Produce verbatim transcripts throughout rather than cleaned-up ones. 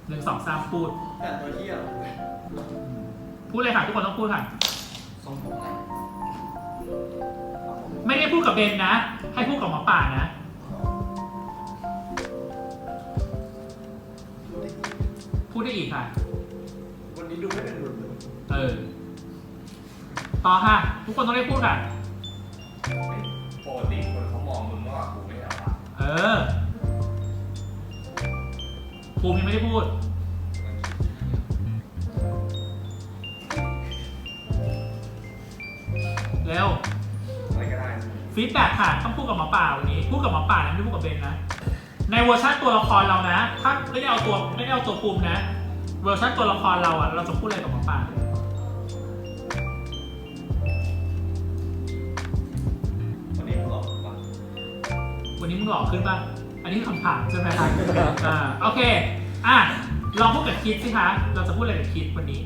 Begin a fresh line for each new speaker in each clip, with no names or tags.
หนึ่งสองสามพูด
แต่ตัวเที่ยว
พูดเลยค่ะทุกคนต้องพูดค่ะ
ทรงผมอะไร
ไม่ได้พูดกับเบนนะ ให้พูดกับหมอป่านะพูดได้อีกค่ะ
วันนี้ดูไม่เป็นหลุดเลย
เออต่อค่ะ ทุกคนต้องได้พูดค่ะ
ปกติคนเขามองมึงว่ากูไม่เอาอะ
เออภูมิยังไม่ได้พูดเร็ว
อะไรก็ได้
ฟีดแบ็กค่ะต้องพูดกับหมอป่าวันนี้พูดกับหมอป่านะไม่ได้พูดกับเบนนะในเวอร์ชันตัวละครเรานะถ้าไม่ได้เอาตัวไม่ได้เอาตัวภูมินะเวอร์ชันตัวละครเราอะเราจะพูดอะไรกับหมอป่า
วันนี้มึงหลอกปะ
วันนี้มึงหล่อขึ้นป่ะอันนี้คำถามใช่ไหมครับอ่าโอเคอ่ะลองพูดกับคิดสิคะเราจะพูดอะไรกับคิดวันนี้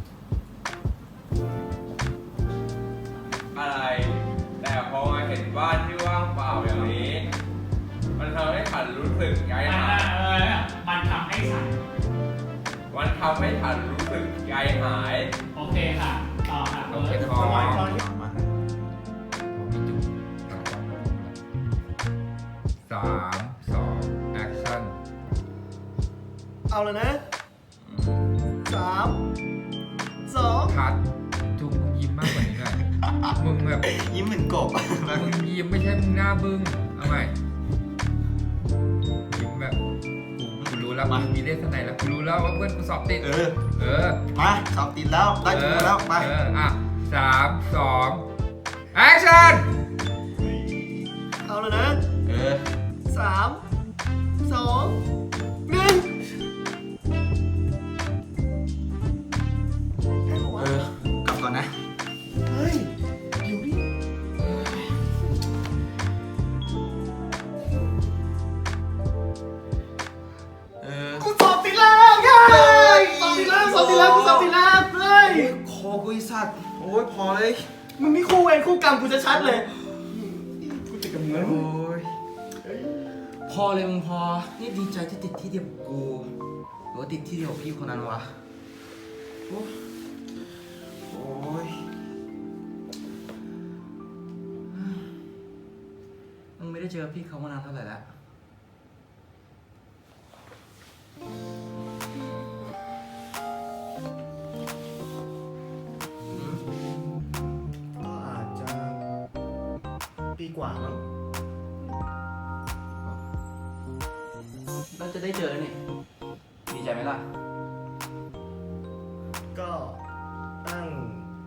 อะไร แต่พอมาเห็นบ้านที่ว่างเปล่าอย่างนี้ มันทำให้ฉันรู้สึกใจ
มัน
หาย
เออมันทำให้ฉัน
มันทำให้ฉันรู้สึกใจหาย
โอเคค่ะต่อค่ะ
โอเค
เอ
พอ
อ
มาผมมีจุดตั้งกล้องสามสองแอคชั่น
เอาเลยนะสามสอง
คัดจุงยิ้มมากกว่านี้หน่อยมึงแบบ
ยิ้มเหมือนกบ
มึงยิ้มไม่ใช่มึงหน้าบึ้งเอาใหม่ยิ้มแบบกูกูรู้แล้วมึงมีเลขข้างในแล้วกูรู้แล้วว่าเพื่อนกูสอบติด
เออ
เออ
มาสอบติดแล้วได้จุดแล้วไป
เอออ่ะสามสองแอคชั่น
เอาเลยนะ
เออ
สามสองหนึ่ง
เออกลับก่อนนะ
เฮ้ยอยู่ดิเออกูสอบติดแล้วเฮ้ยสอบติดแล้วสอบติดแล้วกูสอบติดแล้วเฮ้ย
คอกูไอสัตว์ โอ้ยพอเลย
มึงนี่คู่เวรคู่กรรมกูจะชัดเลยกูติดกับมึง
โอ้ยพอเลยมึงพอ นี่ดีใจที่ติดที่เดียวกับกูหรือว่าติดที่เดียวกับพี่คนนั้นวะ โอ้ยโอ้ยมึงไม่ได้เจอพี่เขามานานเท่าไหร่แล้ว
ก็อาจจะปีกว่ามั้ง
เราจะได้เจอแล้วนี่ ดีใจไหมล่ะ
ก็ตั้ง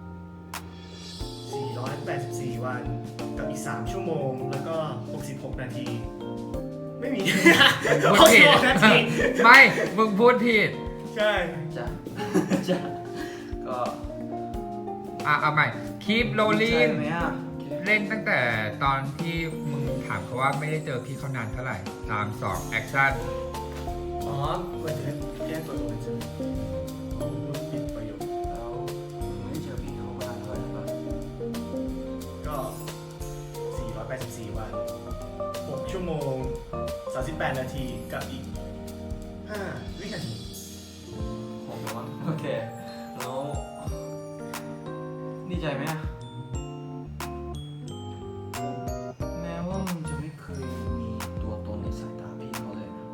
สี่ร้อยแปดสิบสี่วันกับอีกสามชั่วโมงแล้วก็หกสิบหกนาที ไม่มี
พูด
หก
ผิ
สิบ
ด
หกนาที
ไม่ มึงพูดผิด
ใช่
จ้ะ จ้ะ ก็
อ่ะ เอาใหม่ keep
ดีใจ
rolling
ไหมอ่ะ
เล่นตั้งแต่ตอนที่มึงถามเขาว่าไม่ได้เจอพี่เขานานเท่าไหร่สามสองแอคชั่น
อ๋อควรจะแก้ตัวเองใช่ไหมอ๋อพูดผิดประโยค
แล้วไม่ได้เจอพี่เขามานานเท่าไหร่แล้ว
ก็สี่ร้อยแปดสิบสี่วันหกชั่วโมงสามสิบแปดนาทีกับอีกห้าวินาที
ผมว่าโอเค แล้วดีใจไหมอะแม้ว่ามึงจะไม่เคยมีตัวตนในสายตาพี่เขาเลยนะ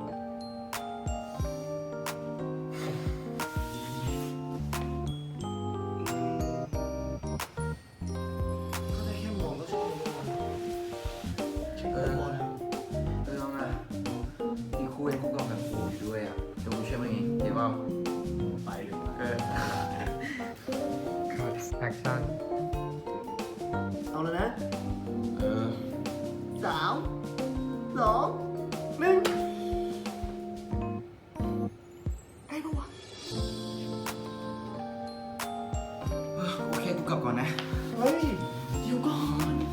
ก็ได้แค่มองก็ชอบแค่
เอ
ม
อ
อง
เรื่องอะที่คู่เองคู่กรรมกับกูอยู่ด้วยอะเดี๋ยวกูช่วยมึงเองเดี๋ยวว่า
ไปเลย
เออ
แอคชั่น
เอาแล้วนะ
เออ
สามสองหนึ่งไอ้ปะวะ
โอเคกูกลับก่อนนะ
เฮ้ยเดี๋ยวก่อน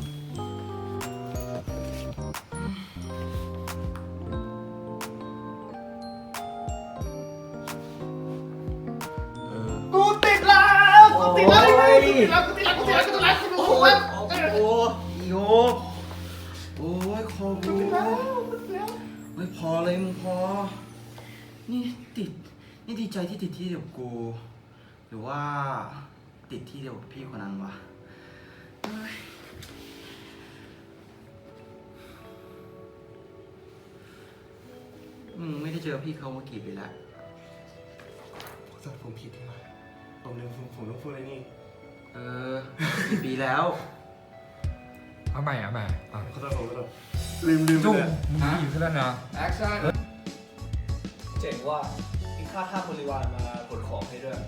เออ
กูติดแล้วกูติดแล้วกูติดแล้วกูติดแล้วกูติดแล้วกูติดแล้วกูติดแล้วกู
โอ้
ติด
ย
แล้ว
โอ้ยโยกโอ้ยคอ
กู
กู
ติดแล้วกูติดแล้ว
ไม่พอเลยมึงพอ นี่ติดนี่ดีใจที่ติดที่เดียวกับกู หรือว่าติดที่เดียวกับพี่คนนั้นวะเฮ้ยมึงไม่ได้เจอพี่เขามากี่ปีแล้ว
ขอโทษผมผิดที่มาผมลืมผมผมต้องพูดอะไรนี่
เออกี่ปีแล้ว
เอาใหม่เอาใหม่อ่ะ
ขอโทษผมขอโทษลืมลืมไป
จุ๊บ
เลย
มึงหิวขึ้นแล้วนะ
แอคชั่น
เจ๋งว่ามีค่าท่าบริวารมาขนของให้ด้วย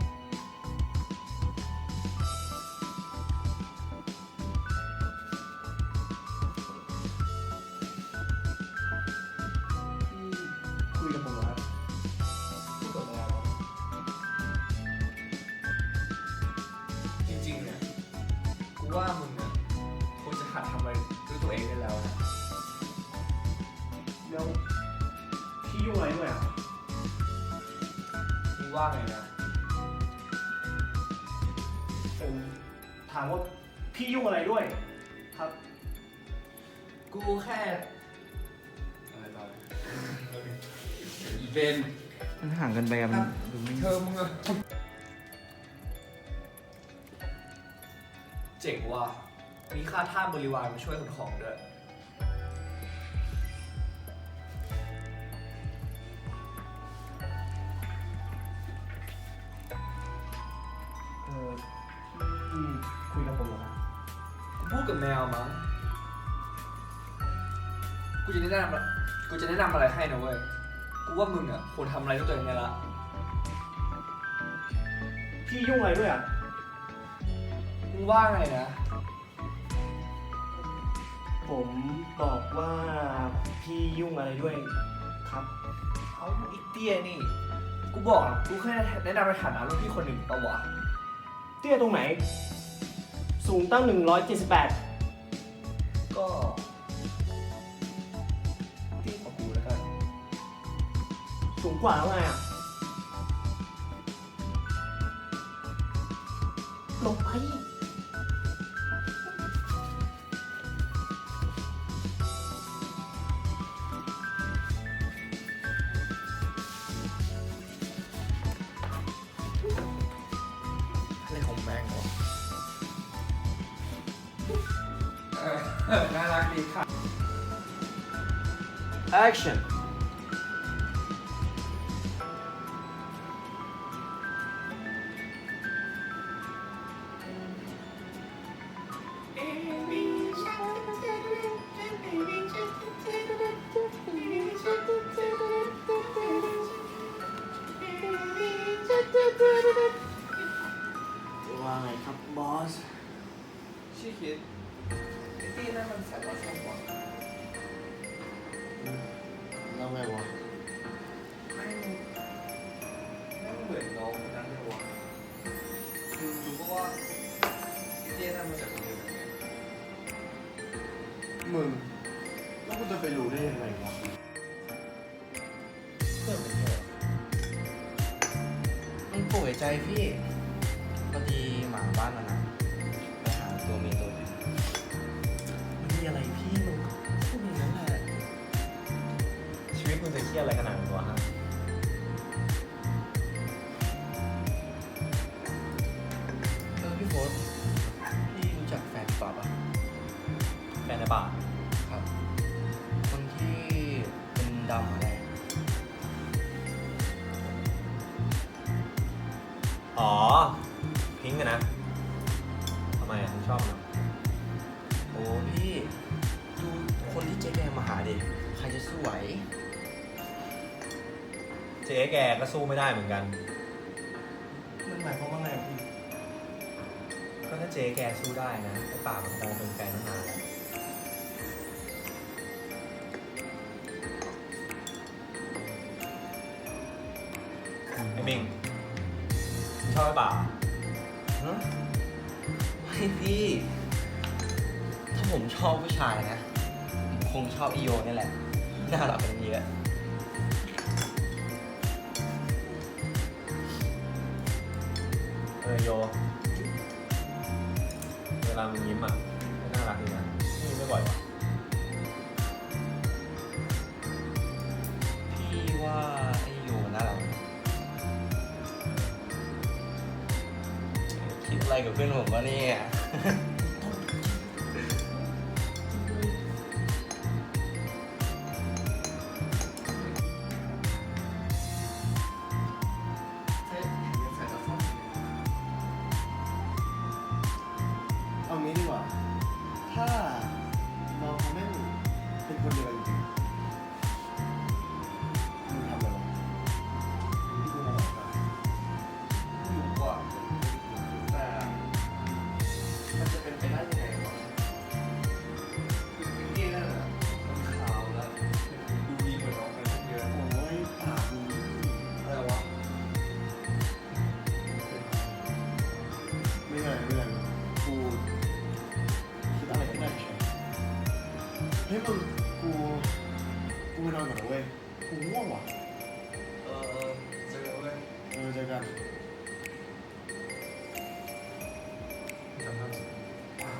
คุยกับผมเหรอครับ
พูดกับแมวจริงๆเนี่ยกูว่ามึงเนี่ยควรจะหัดทำอะไรด้วยตัวเองได้แล้วนะ
แล้วพี่ยุ่งอะไรด้วยอ่ะ
มึงว่าไงนะ
ผมถามว่าพี่ยุ่งอะไรด้วย ครับ
กูแค่อะไรต่อ
อีเวนมันห่างกันไปอะมันดูไม่
เธอมึงอะ
เจ๋งว่ามีค่าท่าบริวารมาช่วยขนของด้วย
เออพี่คุยกับผมเหรอครับ
กูพูดกับแมวมั้ง กูจะแนะนำอะกูจะแนะนำอะไรให้นะเว้ย กูว่ามึงอ่ะควรทำอะไรด้วยตัวเองได้ละ
พี่ยุ่งอะไรด้วยอ่ะ
มึงว่าไงนะ
ผมบอกว่าพี่ยุ่งอะไรด้วยครับ
เอาอีเตี้ยนี่ กูบอกอะกูแค่แนะนำในฐานะรุ่นพี่คนหนึ่งปะวะ
เตี้ยตรงไหน สูงตั้งหนึ่งร้อยเจ็ดสิบแปด
ก็เตี้ยกว่ากูแล้วกัน
สูงกว่าแล้วไงอ่ะหลบไป
อะไรของแม่งวะ
เออน่ารักดีค่ะ
action ว่าไงครับบอส
ชื่อคิดไอ้เตี้ยนั่นมันแสบว่าแสบกว่า
แล้วไงวะ
ไม่งไม่งเหมือนน้องคนนั้นเลยวะคือรู้ก็ว่าไอ้เตี้ยนั่นมาจากโรงเรียนไหน
มึง แล้วกูจะไปรู้ได้ยังไงวะ
เพื่อนผมเนี่ย
มันป่วยใจพี่พอดีหมาบ้านมันนะไปหาตัวเมียตัวหนึง
มันมีอะไรพี่มึงพูดอย่างนั้นแหละ
ชีวิตมึงจะเครียดอะไรขนาดนั้นวะฮะ
เออพี่โฟสพี่รู้จักแฟนป่าปะ
แฟนในป่า
ครับ คนที่เป็นดำอะไร
อ๋อ พิงค์อะนะทำไมอะมึงชอบมัน
โอ้พี่ดูคนที่เจ๊แกมาหาดิใครจะสู้ไหว
เจ๊แกก็สู้ไม่ได้เหมือนกัน
มันหมายความว่าไงพี่
ก็ถ้าเจ๊แกสู้ได้นะไอ้ป่ามันคงเป็นแฟนตั้งนานแล้วไอ้มิงมึงชอบไอ้ป่า
ฮะไม่พี่ ถ้าผมชอบผู้ชายนะ ผมคงชอบอีโยนี่แหละ น่ารักเป็นเยอะ
เออโย เวลามึงยิ้มอ่ะก็น่ารักดีนะนี่ไม่บ่อยวะ
พี่ว่าไอโยน่ารักไหมอะไรกับเพื่อนผมวะเนี่ย
เอางี้ดีกว่า ถ้าน้องเขาไม่เป็นคนเดียวกันจริงๆมึงทำอะไรวะที่กูมองออกมา
ไม่รู้ว่าแต่มันจะเป็นไปได้ยังไงวะคือพี่นั่นน่ะมันขาวแล้วดูดีกว่าน้องกันเยอะ
โอ้ยปากมึง
อะไรวะ
ไม่เป็นไรไม่เป็นไรกูคิดอะไรก็ได้เฉยเฮ้ยมึงกูกูไปนอนก่อนนะเว้ยกูง่วงว่ะ
เออเออเจอเว้ย
เออเจอกัน
จำได้สิอ่า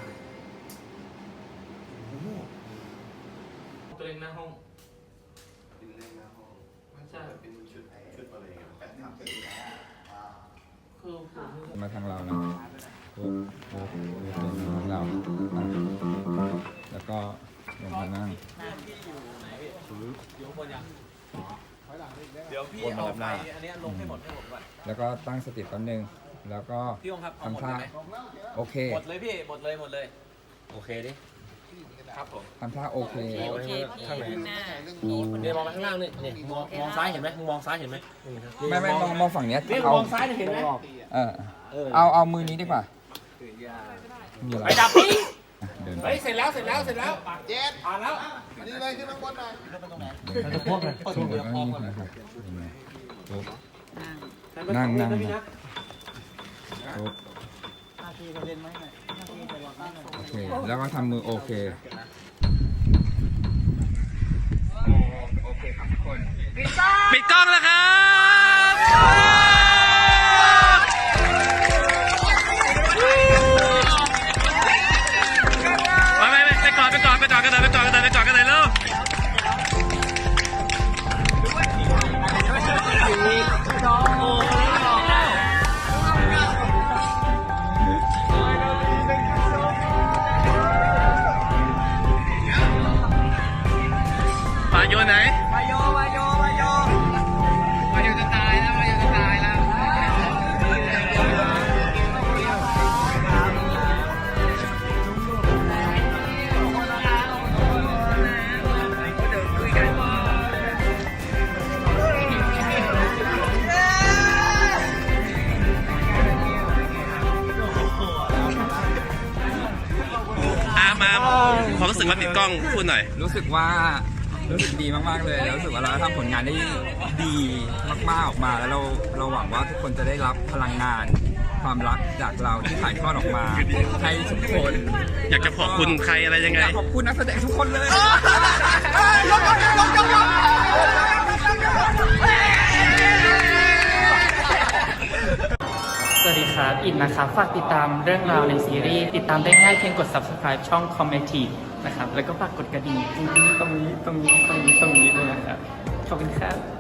กูง่วง
ตัวเองหน้าห้อง
เป็นเล่นหน้าห้อง
ไม่ใช่
เป็นชุดชุดอะไรเงี้ยแปดทับ
คือผม
มาทางเรานะปุ๊บปุ๊บปุ๊บเป็นทางเราอ่ะแล้วก็ลงมานั่ง
เดี๋ยวพี่เอาไปอันเนี้ยลงให้หมดให้หมดก่อน
แล้วก็ตั้งสติแป๊บนึง แล้วก็
พี่องค์ครับเอาหมด
ทำ
เล
ท่าย
ไหม
โอเค
หมดเลยพี่หมดเลยหมดเลย
โอเคดิ
ครับผม
ทำท่าโอเค
โอเคพี่ข้างหน้าพี่
เนี่ยมองไปข้างล่างนี่นี่มองมองซ้ายเห็นไหมมึงมองซ้ายเห็นไหม
ไม่ไม่มองมองฝั่งเนี้ย
นี่
เอา
มองซ้ายเห็นไหม
เออเอาเอามือนี้ดีกว่ามีอะไร
ไปดับพี่
อ่ะเดินไป
เฮ้ยเสร็จแล้วเสร็จแล้วเสร็จแล้วเจ็ดผ่านแล้ว
นี่เลยขึ้นข้างบนหน่อย
เราจะพบเลยช่วงเวลาพร้อมกันนะครับปุ๊บนั่งนั่งนะปุ๊บโอเค แล้วก็ทำมือโอเค โอเคครับทุกคน
ปิดกล้องแล้วครับ ไปไปไปไปก่อนไปก่อนไปก่อนกันเลยไปก่อนกันเลยไปก่อนกันเลยเร็ว ปาโยไหนปาโยปาโยปาโยปาโยจะตายแล้วปาโยจะตายแล้วอามาความรู้สึกว่าติดกล้องพูดหน่อย
รู้สึกว่ารู้สึกดีมากๆเลยแล้วรู้สึกว่าเราทำผลงานได้ดีมากๆออกมา แล้วเราเราหวังว่าทุกคนจะได้รับพลังงาน ความรักจากเราที่ถ่ายทอดออกมาให้ทุกคน
อยากจะขอบคุณใครอะไรยังไง
อยากขอบคุณนักแสดงทุกคนเลย
สวัสดีครับ อินนะครับ ฝากติดตามเรื่องราวในซีรีส์ ติดตามได้ง่ายเพียงกด subscribe ช่อง Comedy นะครับ แล้วก็ฝากกดกระดิ่งตรงนี้ ตรงนี้ ตรงนี้ ตรงนี้ ตรงนี้ด้วยนะครับ ขอบคุณครับ